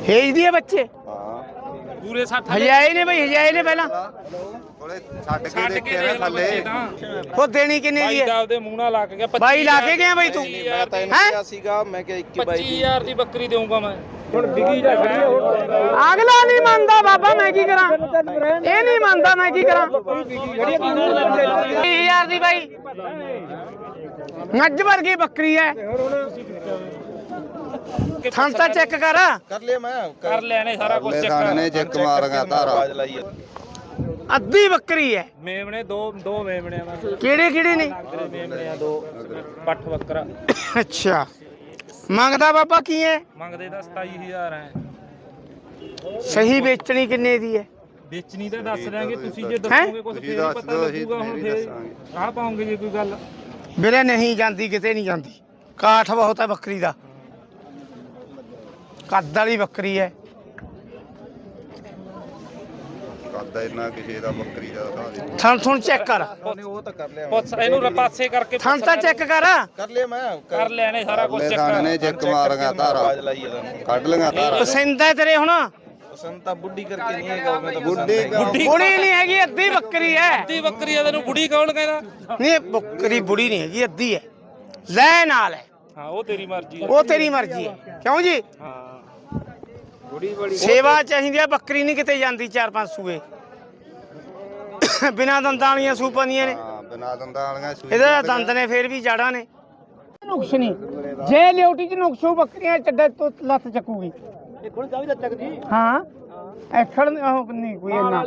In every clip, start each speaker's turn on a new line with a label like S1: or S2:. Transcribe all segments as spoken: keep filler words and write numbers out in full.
S1: भेज दिए बच्चे
S2: ਪੂਰੇ ਸੱਠ
S1: हजाए ने भाई हजाए ने पहला
S2: ਛੱਡ ਕੇ ਦੇ ਥੱਲੇ
S1: वो देनी किन्नी दी है
S2: ਦਾ ਉਹਦੇ ਮੂੰਹ ਨਾਲ ਲੱਗ ਗਿਆ
S1: भाई लाके गया भाई तू
S3: ਮੈਂ ਤਾਂ ਇਹਨੂੰ ਕਿਹਾ ਸੀਗਾ ਮੈਂ ਕਿਹਾ ਇੱਕੀ ਬਾਈ
S2: ਪੱਚੀ ਹਜ਼ਾਰ ਦੀ ਬੱਕਰੀ ਦੇਊਂਗਾ ਮੈਂ ਹੁਣ ਵਿਕੀ ਜਾ ਖੜੀ
S1: अगला नहीं मानता बाबा मैं की करा ये नहीं मानता मैं की करा हजार दी भाई मज वर्गी बकरी है थान ता चेक कर
S3: ਕਰ ਲਿਆ ਮੈਂ
S2: ਕਰ ਲੈਣੇ ਸਾਰਾ ਕੁਝ ਚੈੱਕ
S4: ਸਾਹਮਣੇ ਚੈੱਕ ਮਾਰਾਂਗਾ ਤਾਰਾ
S3: ਆਵਾਜ਼ ਲਾਈ ਆ।
S1: अद्धी बकरी है
S2: ਮੇਮਣੇ ਦੋ ਦੋ ਮੇਮਣੇ ਆ
S1: केड़े केड़े ने
S2: ਮੇਮਣੇ ਆ ਦੋ ਪੱਠ ਬੱਕਰਾ
S1: अच्छा मंगदा बाबा की है
S2: ਮੰਗਦੇ ਤਾਂ ਸਤਾਈ ਹਜ਼ਾਰ ਹੈ
S1: सही बेचनी किन्ने दी है
S2: ਵੇਚਣੀ ਤਾਂ ਦੱਸ ਦਿਆਂਗੇ ਤੁਸੀਂ ਜੇ ਦੱਸੋਗੇ ਕੁਝ ਫੇਰ ਹੀ ਪਤਾ ਲੱਗੂਗਾ ਹੁਣ ਫੇਰ ਆਹ ਪਾਉਂਗੇ ਜੇ ਕੋਈ ਗੱਲ
S1: मेरे नहीं जानती किते नहीं जानती काठ बहुत है बकरी दा कद वाली बकरी है
S4: ਕਰਦਾ ਇਹਨਾਂ ਕਿਸੇ ਦਾ ਬੱਕਰੀ ਦਾ ਦਿਖਾ ਦੇ
S1: थन थुन चेक कर
S3: ਉਹਨੇ ਉਹ ਤਾਂ ਕਰ ਲਿਆ
S2: ਪੁੱਛ ਇਹਨੂੰ ਰਪਾਸੇ ਕਰਕੇ
S1: थन ता चेक कर
S3: ਕਰ ਲਿਆ ਮੈਂ
S2: ਕਰ ਲੈਣੇ ਸਾਰਾ ਕੁਝ ਚੈੱਕ
S4: ਸਾਹਮਣੇ ਚੈੱਕ ਮਾਰਾਂਗਾ ਤਾਰਾ
S3: ਆਵਾਜ਼ ਲਾਈ ਆ ਤੁਹਾਨੂੰ
S4: ਕੱਢ ਲਗਾ ਤਾਰਾ
S1: पसंद है तेरे हुन
S3: ਪਸੰਦ ਤਾਂ ਬੁੱਢੀ ਕਰਕੇ ਨਹੀਂ ਹੈਗਾ ਮੈਂ ਤਾਂ
S4: ਬੁੱਢੀ
S1: बुढ़ी नहीं हैगी अद्धी बकरी है
S2: ਅੱਧੀ ਬੱਕਰੀ ਆ ਤੈਨੂੰ ਬੁੜੀ ਕੌਣ ਕਹਿੰਦਾ
S1: नहीं बकरी बुढ़ी नहीं हैगी अद्धी है ले नाल है
S2: ਹਾਂ ਉਹ ਤੇਰੀ ਮਰਜ਼ੀ
S1: वो तेरी मर्जी है क्यों जी
S2: ਹਾਂ ਬੁੜੀ ਬੜੀ
S1: सेवा चाहिए बकरी नहीं किते जाती चार पांच सूए बिना दंदां वालियां सूपां दियां ने
S4: ਹਾਂ ਬਿਨਾ ਦੰਦਾਂ ਵਾਲੀਆਂ ਸੂਈ
S1: ਇਹਦੇ ਦੰਦ ਨੇ ਫੇਰ ਵੀ ਜਾੜਾ ਨੇ ਨੁਕਸ ਨਹੀਂ ਜੇ ਲਿਓਟੀ ਚ ਨੁਕਸੂ ਬੱਕਰੀਆਂ ਚੱਡੇ ਤੋਂ ਲੱਤ ਚੱਕੂਗੀ ਇਹ ਕੋਣ ਚਾਵੀ ਲੱਤ ਚੱਕਦੀ ਹਾਂ ਐਖੜ ਉਹ ਨਹੀਂ ਕੋਈ ਇੰਨਾ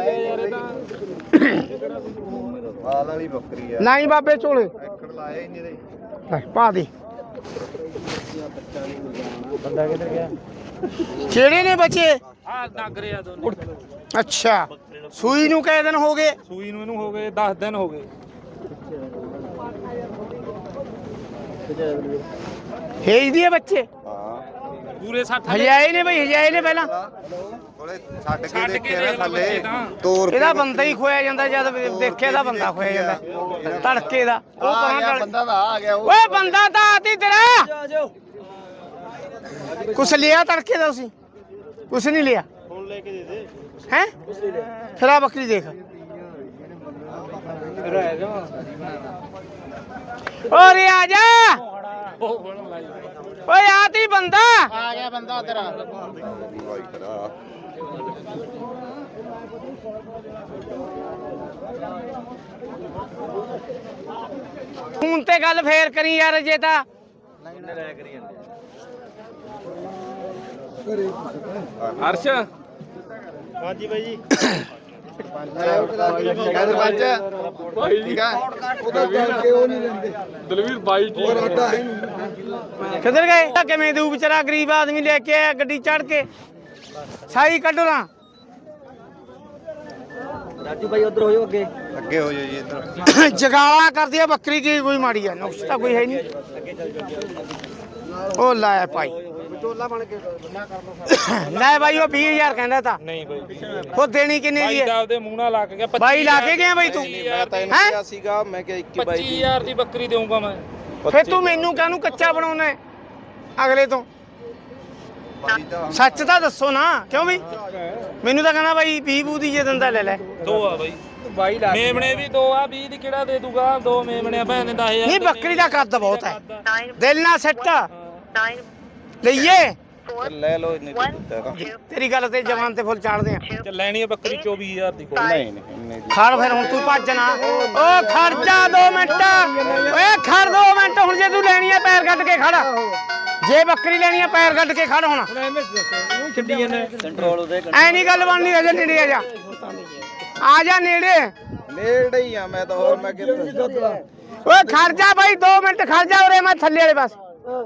S4: ਵਾਲ ਵਾਲੀ ਬੱਕਰੀ ਆ
S1: ਨਹੀਂ ਬਾਬੇ ਝੋਲੇ
S4: ਐਕੜ ਲਾਇਆ ਹੀ ਨਹੀਂ ਇਹਦੇ
S1: ਲੈ ਪਾ ਦੇ
S2: ਬੰਦਾ ਕਿੱਧਰ ਗਿਆ
S1: ਕਿਹੜੇ ਨੇ ਬੱਚੇ
S2: ਆ ਨਾਗਰੇ ਆ ਦੋਨੇ
S1: ਅੱਛਾ ਸੂਈ ਨੂੰ ਕਈ ਦਿਨ ਹੋ ਗਏ
S2: ਸੂਈ ਨੂੰ ਇਹਨੂੰ ਹੋ ਗਏ ਦਸ ਦਿਨ ਹੋ ਗਏ
S1: ਭੇਜ ਦਿਏ ਬੱਚੇ
S4: ਹਾਂ
S2: ਪੂਰੇ ਸੱਠ
S1: ਹਜਾਏ ਨੇ ਬਈ ਹਜਾਏ ਨੇ ਪਹਿਲਾਂ
S4: ਕੋਲੇ ਛੱਡ ਕੇ
S2: ਛੱਡ ਕੇ
S4: ਦੇਖਿਆ
S2: ਦੇਖ
S4: ਨਾ
S2: ਲੈ
S4: ਥੱਲੇ
S2: ਬੱਚੇ ਤਾਂ।
S4: ਤੋਰ
S1: ਇਹਦਾ ਬੰਦਾ ਹੀ ਖੋਇਆ ਜਾਂਦਾ ਜਦ ਦੇਖਿਆ ਦਾ ਬੰਦਾ ਖੋਇਆ ਜਾਂਦਾ ਤੜਕੇ ਦਾ ਉਹ ਪਰਾਂ
S3: ਬੰਦਾ ਤਾਂ ਆ ਗਿਆ
S1: ਓਏ ਬੰਦਾ ਤਾਂ ਆਤੀ ਤੇਰਾ ਕੁਛ ਲਿਆ ਤੜਕੇ ਦਾ ਤੁਸੀਂ ਕੁਛ ਨਹੀਂ ਲਿਆ
S3: ਫੋਨ ਲੈ ਕੇ ਦੇ ਦੇ
S1: ਹੈ ਫਿਰ ਆ ਬੱਕਰੀ ਦੇਖ ਓਰੇ ਆ ਜਾ
S2: ਉਹ ਬਣ ਲਾਈ
S1: ਓਏ ਆਤੀ ਬੰਦਾ
S3: ਆ ਗਿਆ ਬੰਦਾ ਤੇਰਾ
S4: ਵਾਈ ਕਰਾ
S1: ਹੁਣ ਤੇ ਗੱਲ ਫੇਰ ਕਰੀ ਯਾਰ ਜੇ ਤਾਂ
S2: ਅਰਸ਼
S3: ਹਾਂਜੀ ਬਾਈ ਜੀ ਕਹਿੰਦੇ ਪੰਜ ਠੀਕ ਆ ਉਹਦਾ ਕਰਕੇ ਉਹ ਨਹੀਂ ਲੈਂਦੇ
S2: ਦਲਵੀਰ ਬਾਈ ਜੀ
S1: ਕਿੱਧਰ ਗਏ ਕਿਵੇਂ ਦੂ ਵਿਚਾਰਾ ਗਰੀਬ ਆਦਮੀ ਲੈ ਕੇ ਆਇਆ ਗੱਡੀ ਚੜ ਕੇ ਸਾਈ ਕੱਢੋ ਨਾ
S3: ਰਾਜੂ ਬਾਈ ਉਧਰ ਹੋਇਓ ਅੱਗੇ
S4: ਅੱਗੇ ਹੋ ਜਾਓ ਜੀ ਇੱਧਰ
S1: ਜਗਾਲਾ ਕਰਦੀ ਆ ਬੱਕਰੀ ਕੀ ਕੋਈ ਮਾੜੀ ਆ ਨੁਕਸ ਤਾਂ ਕੋਈ ਹੈ ਨਹੀਂ ਉਹ ਲਾਇਆ ਭਾਈ
S3: ਟੋਲਾ ਬਣ ਕੇ ਬੰਨਾ ਕਰ ਲੋ
S1: ਲੈ ਭਾਈ ਉਹ ਵੀਹ ਹਜ਼ਾਰ ਕਹਿੰਦਾ ਤਾਂ
S2: ਨਹੀਂ ਬਾਈ
S1: ਉਹ ਦੇਣੀ ਕਿੰਨੇ ਦੀ
S2: ਬਾਈ ਦਾ
S1: ਹੈ
S2: ਉਹਦੇ ਮੂੰਹ ਨਾਲ ਲੱਗ ਗਿਆ
S1: ਬਾਈ ਲਾ ਕੇ ਗਿਆ ਬਾਈ ਤੂੰ
S3: ਮੈਂ ਤਾਂ ਇਹਨੂੰ ਕਿਹਾ ਸੀਗਾ ਮੈਂ ਕਿਹਾ ਇੱਕੀ ਬਾਈ
S2: ਪੱਚੀ ਹਜ਼ਾਰ ਦੀ ਬੱਕਰੀ ਦੇਊਂਗਾ ਮੈਂ
S1: ਫੇ ਤੂੰ ਮੈਨੂੰ ਕਾਹਨੂੰ ਕੱਚਾ ਬਣਾਉਣਾ ਹੈ ਅਗਲੇ ਤੋਂ ਸੱਚ ਤਾਂ ਦੱਸੋ ਨਾ ਕਿਉਂ ਵੀ ਮੈਨੂੰ ਤਾਂ ਕਹਿੰਦਾ ਬਾਈ ਵੀਹ ਬੂ ਦੀ ਜੇ ਦੰਦਾ ਲੈ ਲੈ
S2: ਦੋ ਆ ਬਾਈ ਬਾਈ ਲਾ ਮੇਮਣੇ ਵੀ ਦੋ ਆ ਵੀਹ ਦੀ ਕਿਹੜਾ ਦੇ ਦੂਗਾ ਦੋ ਮੇਮਣੇ ਭੈਣ ਨੇ ਦਸ ਹਜ਼ਾਰ
S1: ਨਹੀਂ ਬੱਕਰੀ ਦਾ ਕੱਦ ਬਹੁਤ ਹੈ ਦਿਲ ਨਾ ਸੱਟ ਲਈਏ
S3: ਲੈ ਲਓ ਇੰਨੇ ਦਿੱਤਾ
S1: ਤੇਰੀ ਗੱਲ ਤੇ ਜਵਾਨ ਤੇ ਫੁੱਲ ਚਾੜਦੇ ਆ
S2: ਚੱਲ ਲੈਣੀ ਆ ਬੱਕਰੀ ਚੌਵੀ ਹਜ਼ਾਰ ਦੀ ਕੋਈ
S3: ਨਹੀਂ ਨਹੀਂ ਇੰਨੇ
S1: ਖੜ ਫਿਰ ਹੁਣ ਤੂੰ ਭੱਜ ਨਾ ਓ ਖੜ ਜਾ ਦੋ ਮਿੰਟ ਓਏ ਖੜ ਦੋ ਮਿੰਟ ਹੁਣ ਜੇ ਤੂੰ ਲੈਣੀ ਆ ਪੈਰ ਕੱਢ ਕੇ ਖੜ ਜੇ ਬੱਕਰੀ ਲੈਣੀ ਆ ਪੈਰ ਕੱਢ ਕੇ ਖੜ ਹੁਣ
S2: ਛੱਡੀ ਜਾਂਦੇ
S3: ਕੰਟਰੋਲ ਉਹਦੇ
S1: ਐ ਨਹੀਂ ਗੱਲ ਬਣਨੀ ਅਜੇ ਨੇੜੇ ਆ ਜਾ ਆ ਜਾ ਨੇੜੇ
S3: ਨੇੜੇ ਹੀ ਆ ਮੈਂ ਤਾਂ ਹੋਰ ਮੈਂ ਕਿੱਥੇ
S1: ਓਏ ਖੜ ਜਾ ਬਾਈ ਦੋ ਮਿੰਟ ਖੜ ਜਾ ਉਰੇ ਮੈਂ ਥੱਲੇ ਵਾਲੇ ਪਾਸ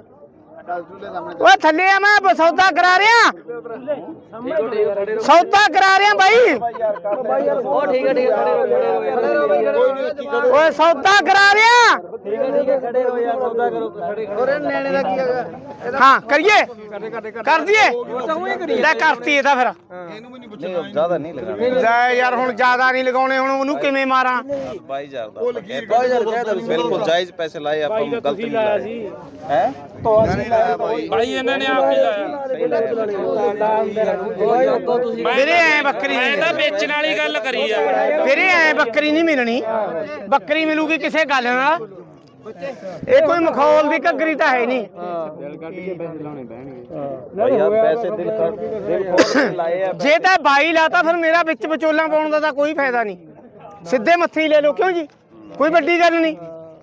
S1: ਓਏ ਥੱਲੇ ਆ ਮੈਂ ਸੌਦਾ ਕਰਾ ਰਿਹਾ ਸੌਦਾ ਕਰਾ ਰਿਹਾ ਬਾਈ
S3: ਉਹ ਠੀਕ ਹੈ ਠੀਕ ਹੈ
S1: ਓਏ ਸੌਦਾ ਕਰਾ ਰਿਹਾ
S3: ਠੀਕ ਹੈ ਠੀਕ ਹੈ ਖੜੇ ਰਹੋ ਯਾਰ ਸੌਦਾ ਕਰੋ ਖੜੇ ਖੜੇ ਨੈਣੇ ਦਾ ਕੀ ਹੈਗਾ
S1: ਹਾਂ ਕਰੀਏ ਕਰ ਦਈਏ ਲੈ ਕਰਤੀ ਇਹਦਾ ਫਿਰ
S3: ਨਹੀਂ ਜ਼ਿਆਦਾ ਨਹੀਂ ਲਗਾਣਾ
S1: ਲੈ ਯਾਰ ਹੁਣ ਜ਼ਿਆਦਾ ਨਹੀਂ ਲਗਾਉਣੇ ਹੁਣ ਉਹਨੂੰ ਕਿਵੇਂ ਮਾਰਾਂ
S3: ਬਾਈ ਹਜ਼ਾਰ ਦਾ ਬਾਈ ਹਜ਼ਾਰ ਕਹਿਦਾ ਬਿਲਕੁਲ ਜਾਇਜ਼ ਪੈਸੇ ਲਾਏ ਆਪਾਂ ਗਲਤ ਨਹੀਂ ਲਾਇਆ ਸੀ ਹੈ
S4: ਨਹੀਂ ਲਾਇਆ ਬਾਈ
S2: ਬਾਈ ਇਹਨਾਂ ਨੇ ਆਪ ਹੀ ਲਾਇਆ
S1: ਵੀਰੇ ਐ ਬੱਕਰੀ
S2: ਮੈਂ
S1: ਨਹੀਂ
S2: ਤਾਂ ਵੇਚਣ ਵਾਲੀ ਗੱਲ ਕਰੀ ਆ
S1: ਵੀਰੇ ਐ ਬੱਕਰੀ ਨਹੀਂ ਮਿਲਣੀ ਬੱਕਰੀ ਮਿਲੂਗੀ ਕਿਸੇ ਗੱਲ ਨਾਲ ਇਹ ਕੋਈ ਮਖੌਲ ਦੀ ਘੱਗਰੀ ਤਾਂ ਹੈ ਨਹੀਂ
S3: ਪੈਸੇ ਦਿਲ ਕਰ ਦਿਲ ਖੋਲ ਕੇ ਲਾਏ ਆ
S1: ਜੇ ਤਾਂ ਬਾਈ ਲਾਤਾ ਫਿਰ ਮੇਰਾ ਵਿੱਚ ਵਿਚੋਲਾ ਪਾਉਣ ਦਾ ਤਾਂ ਕੋਈ ਫਾਇਦਾ ਨਹੀਂ ਸਿੱਧੇ ਮੱਥੇ ਹੀ ਲੈ ਲਓ ਕਿਉਂ ਜੀ ਕੋਈ ਵੱਡੀ ਗੱਲ ਨਹੀਂ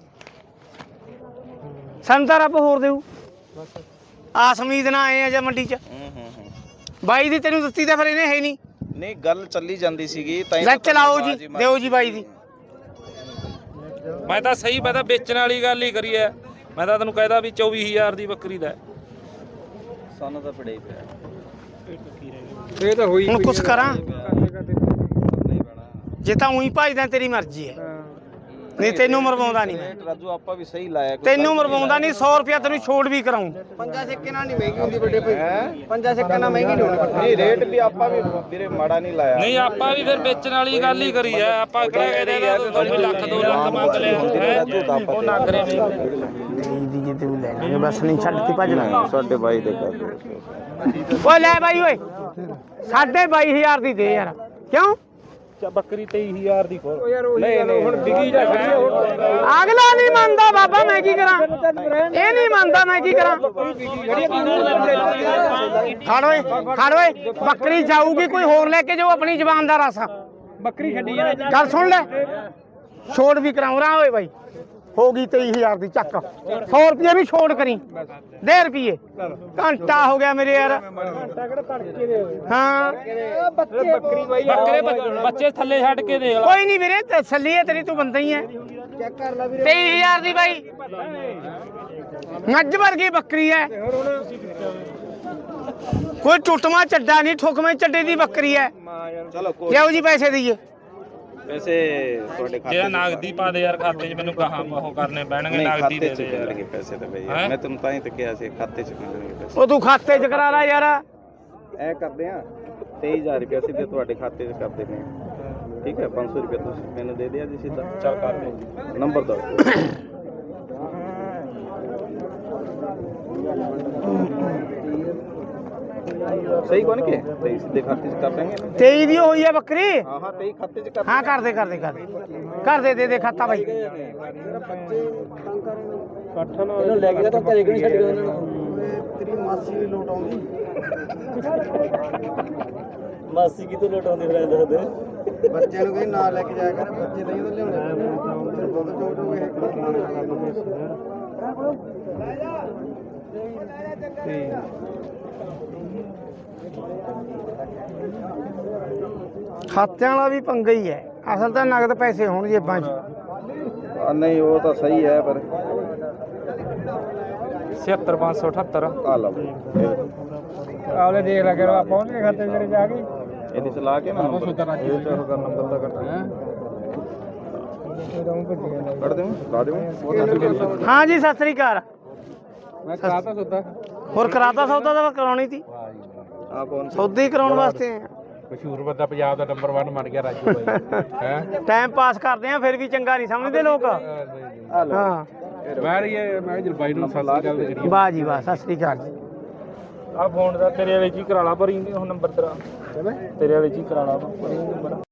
S1: ਸਾਨੂੰ ਤਾਂ ਰੱਬ ਹੋਰ ਦੇਊ ਆਸ ਉਮੀਦ ਨਾਲ ਆਏ ਆ ਜਾਂ ਮੰਡੀ 'ਚ ਬਾਈ ਦੀ ਤੈਨੂੰ ਦਿੱਤੀ ਤਾਂ ਫਿਰ ਇਹਨੇ ਹੈ ਨਹੀਂ
S3: ਨਹੀਂ ਗੱਲ ਚੱਲੀ ਜਾਂਦੀ ਸੀਗੀ ਤਾਂ
S1: ਲੈ ਚਲਾਓ ਜੀ ਦਿਓ ਜੀ ਬਾਈ ਦੀ
S2: ਮੈਂ ਤਾਂ ਸਹੀ ਮੈਂ ਤਾਂ ਵੇਚਣ ਵਾਲੀ ਗੱਲ ਹੀ ਕਰੀ ਐ ਮੈਂ ਤਾਂ ਤੈਨੂੰ ਕਹਿਦਾ ਵੀ ਚੌਵੀ ਹਜ਼ਾਰ ਦੀ ਬੱਕਰੀ ਦਾ
S3: ਸਾਨੂੰ ਤਾਂ ਪੜੇ ਪਿਆ
S1: ਇਹ ਤਾਂ ਹੋਈ ਹੁਣ ਕੁਛ ਕਰਾਂ ਜੇ ਤਾਂ ਉਹੀ ਭਜਦਾ ਤੇਰੀ ਮਰਜ਼ੀ ਹੈ ਨਹੀਂ ਤੈਨੂੰ ਮਰਵਾਉਂਦਾ ਨਹੀਂ ਮੈਂ
S3: ਰਾਜੂ ਆਪਾਂ ਵੀ ਸਹੀ ਲਾਇਆ
S1: ਤੈਨੂੰ ਮਰਵਾਉਂਦਾ ਨਹੀਂ ਸੌ ਰੁਪਿਆ ਤੈਨੂੰ ਛੋੜ ਵੀ ਕਰਾਉਂ
S3: ਪੰਜਾ ਸਿੱਕੇ ਨਾਲ ਨਹੀਂ ਮਹਿੰਗੀ ਹੁੰਦੀ ਵੱਡੇ ਭਾਈ ਪੰਜਾ ਸਿੱਕੇ ਨਾਲ ਮਹਿੰਗੀ ਨਹੀਂ ਹੋਣੀ ਨਹੀਂ ਰੇਟ ਵੀ ਆਪਾਂ ਵੀ ਵੀਰੇ ਮਾੜਾ ਨਹੀਂ ਲਾਇਆ
S2: ਨਹੀਂ ਆਪਾਂ ਵੀ ਫਿਰ ਵੇਚਣ ਵਾਲੀ ਗੱਲ ਹੀ ਕਰੀ ਐ ਆਪਾਂ ਕਿਹੜਾ ਕਹਿੰਦੇ ਦੋ ਲੱਖ ਦੋ ਲੱਖ ਮੰਗ ਲਿਆ ਹੈ ਉਹ ਨਾ ਕਰੇ
S1: ਦੀ ਜੇ ਤੂੰ ਲੈ ਲਾਂਗੇ ਬਸ ਨਹੀਂ ਛੱਡ ਕੇ ਭੱਜ ਲਾਂਗੇ
S3: ਸਾਡੇ ਬਾਈ ਦੇ ਕਰ
S1: ਓਏ ਲੈ ਬਾਈ ਓਏ ਸਾਢੇ ਬਾਈ ਹਜ਼ਾਰ ਦੀ ਦੇ ਯਾਰ ਕਿਉਂ
S2: ਬੱਕਰੀ ਤੇਈ ਹਜ਼ਾਰ ਦੀ ਖੋਲ ਨਹੀਂ ਨਹੀਂ ਹੁਣ ਵਿਕੀ ਜਾ
S1: ਅਗਲਾ ਨਹੀਂ ਮੰਨਦਾ ਬਾਬਾ ਮੈਂ ਕੀ ਕਰਾਂ ਇਹ ਨਹੀਂ ਮੰਨਦਾ ਮੈਂ ਕੀ ਕਰਾਂ ਖੜ ਓਏ ਖੜ ਓਏ ਬੱਕਰੀ ਜਾਊਗੀ ਕੋਈ ਹੋਰ ਲੈ ਕੇ ਜਾਓ ਆਪਣੀ ਜ਼ਬਾਨ ਦਾ ਰਸ ਬੱਕਰੀ ਛੱਡੀ ਗੱਲ ਸੁਣ ਲੈ ਛੋੜ ਵੀ ਕਰਾਉਂ ਰਾਂ ਓਏ ਬਾਈ ਹੋ ਗਈ ਤੇਈ ਹਜ਼ਾਰ ਦੀ ਚੱਕ ਸੌ ਰੁਪਏ ਵੀ ਛੋੜ ਕਰੀ ਦੇ ਰੁਪਏ ਘੰਟਾ ਹੋ ਗਿਆ ਮੇਰੇ ਯਾਰ ਹਾਂ
S2: ਬੱਕਰੇ ਬੱਚੇ ਥੱਲੇ ਛੱਡ ਕੇ ਦੇਖ ਲੈ
S1: ਕੋਈ ਨਹੀਂ ਵੀਰੇ ਤਸੱਲੀ ਹੈ ਤੇਰੀ ਤੂੰ ਬੰਦਾ ਹੀ ਹੈ ਤੇਈ ਹਜ਼ਾਰ ਦੀ ਬਾਈ ਮੱਝ ਵਰਗੀ ਬੱਕਰੀ ਹੈ ਕੋਈ ਟੁੱਟਵਾ ਚੱਡਾ ਨਹੀਂ ਠੁਕਵੇਂ ਚੱਡੇ ਦੀ ਬੱਕਰੀ ਹੈ
S3: ਚਲੋ
S1: ਲਿਆਓ ਜੀ ਪੈਸੇ ਦਈਏ
S3: ਪੈਸੇ ਤੁਹਾਡੇ ਖਾਤੇ
S2: ਜਿਹੜਾ ਨਗਦੀ ਪਾ ਦੇ ਯਾਰ ਖਾਤੇ 'ਚ ਮੈਨੂੰ ਕਹਾਂ ਉਹ ਕਰਨੇ ਪੈਣਗੇ ਨਗਦੀ ਦੇ ਦੇ ਯਾਰ
S3: ਮਿਲਣਗੇ ਪੈਸੇ ਤਾਂ ਬਈ ਮੈਂ ਤੈਨੂੰ ਤਾਂ ਹੀ ਤਾਂ ਕਿਹਾ ਸੀ ਖਾਤੇ 'ਚ ਮਿਲਣਗੇ ਪੈਸੇ
S1: ਉਹ ਤੂੰ ਖਾਤੇ 'ਚ ਕਰਾ ਲੈ ਯਾਰ
S3: ਐ ਕਰਦੇ ਆ ਤੇਈ ਹਜ਼ਾਰ ਰੁਪਏ ਸਿੱਧੇ ਤੁਹਾਡੇ ਖਾਤੇ 'ਚ ਕਰ ਦਿੰਦੇ ਆ ਠੀਕ ਹੈ ਪੰਜ ਸੌ ਰੁਪਏ ਤੁਸੀਂ ਮੈਨੂੰ ਦੇ ਦਿਆ ਜੀ ਸਿੱਧਾ ਚੱਲ ਕਰ ਦਿਓ ਨੰਬਰ ਦੋ ਸਹੀ ਕੋਣ ਕੇ ਤੇਈ ਸਿੱਧੇ ਖਾਤੇ 'ਚ ਕਰ ਦਾਂਗੇ
S1: ਤੇਈ ਦੀ ਹੋਈ ਹੈ ਬੱਕਰੀ
S3: ਹਾਂ ਹਾਂ ਤੇਈ ਖਾਤੇ 'ਚ ਕਰ
S1: ਹਾਂ ਕਰ ਦੇ ਕਰ ਦੇ ਕਰ ਦੇ ਕਰ ਦੇ ਦੇ ਦੇ ਖਾਤਾ ਬਾਈ
S3: ਇਹਨੂੰ ਲੈ ਕੇ ਤਾਂ ਘਰੇ ਕਿਉਂ ਛੱਡ ਗਏ ਉਹਨਾਂ ਨੂੰ ਤੇਰੀ ਮਾਸੀ ਵੀ ਲੋਟ ਆਉਂਦੀ ਮਾਸੀ ਕੀ ਤੋਂ ਲੋਟ ਆਉਂਦੀ ਫਿਰ ਦੱਸ ਦੇ ਬੱਚਿਆਂ ਨੂੰ ਕਹੀ ਨਾਲ ਲੈ ਕੇ ਜਾਇਆ ਕਰ ਬੱਚੇ ਨਹੀਂ ਤਾਂ ਲਿਆਉਣੇ ਬਹੁਤ ਚੋਟ ਹੋ ਗਏ
S1: ਖਾਤਿਆਂ ਵਾਲਾ ਵੀ ਪੰਗਾ ਹੀ ਹੈ ਅਸਲ ਤਾਂ ਨਗਦ ਪੈਸੇ ਹੋਣ ਜੇਬਾਂ 'ਚ
S3: ਨਹੀਂ ਉਹ ਤਾਂ ਸਹੀ ਹੈ ਪਰ
S2: ਛਿਹੱਤਰ ਪੰਜ ਸੌ ਅਠੱਤਰ
S3: ਆ ਲਓ
S1: ਆਲੇ ਦੇਖ ਲੈ ਕਰੋ ਪਹੁੰਚ ਗਏ ਖਾਤੇ ਜਿਹੜੇ ਜਾ ਕੇ
S3: ਇਹਦੇ ਚ ਲਾ ਕੇ ਨਾ ਨੰਬਰ ਇਹ ਤੇ ਹੋਗਾ ਨੰਬਰ ਦਾ ਕੱਟ ਹੈ ਕੱਢ ਦੇਵਾਂ ਲਾ ਦੇਵਾਂ
S1: ਹਾਂ ਜੀ ਸਤਿ ਸ੍ਰੀ ਅਕਾਲ
S3: ਮੈਂ ਕਰਾਤਾ ਸੌਦਾ
S1: ਹੋਰ ਕਰਾਤਾ ਸੌਦਾ ਤਾਂ ਕਰਾਉਣੀ ਸੀ
S3: ਆ ਕੌਣ
S1: ਸੌਦਾ ਹੀ ਕਰਾਉਣ ਵਾਸਤੇ ਆਏ
S2: ਮਸ਼ਹੂਰ ਬੰਦਾ ਪੰਜਾਬ ਦਾ ਨੰਬਰ ਇੱਕ ਬਣ ਗਿਆ ਰਾਜੂ ਬਾਈ ਹੈ
S1: ਟਾਈਮ ਪਾਸ ਕਰਦੇ ਆ ਫਿਰ ਵੀ ਚੰਗਾ ਨਹੀਂ ਸਮਝਦੇ ਲੋਕ
S3: ਆ ਲਓ
S1: ਹਾਂ
S2: ਮੈਂ ਇਹ ਮੈਂ ਜਲ ਬਾਈ ਨੂੰ ਸਤਿ ਸ੍ਰੀ ਅਕਾਲ ਕਰੀ
S1: ਵਾਹ ਜੀ ਵਾਹ ਸਤਿ ਸ੍ਰੀ ਅਕਾਲ ਜੀ
S2: ਆ ਫੋਨ ਦਾ ਤੇਰੇ ਵਾਲੇ ਜੀ ਕਰਾ ਲਾ ਭਰੀ ਹੁਣ ਨੰਬਰ ਤੇਰਾ ਤੇਰੇ ਵਾਲੇ ਜੀ ਕਰਾ ਲਾ ਭਰੀ ਨੰਬਰ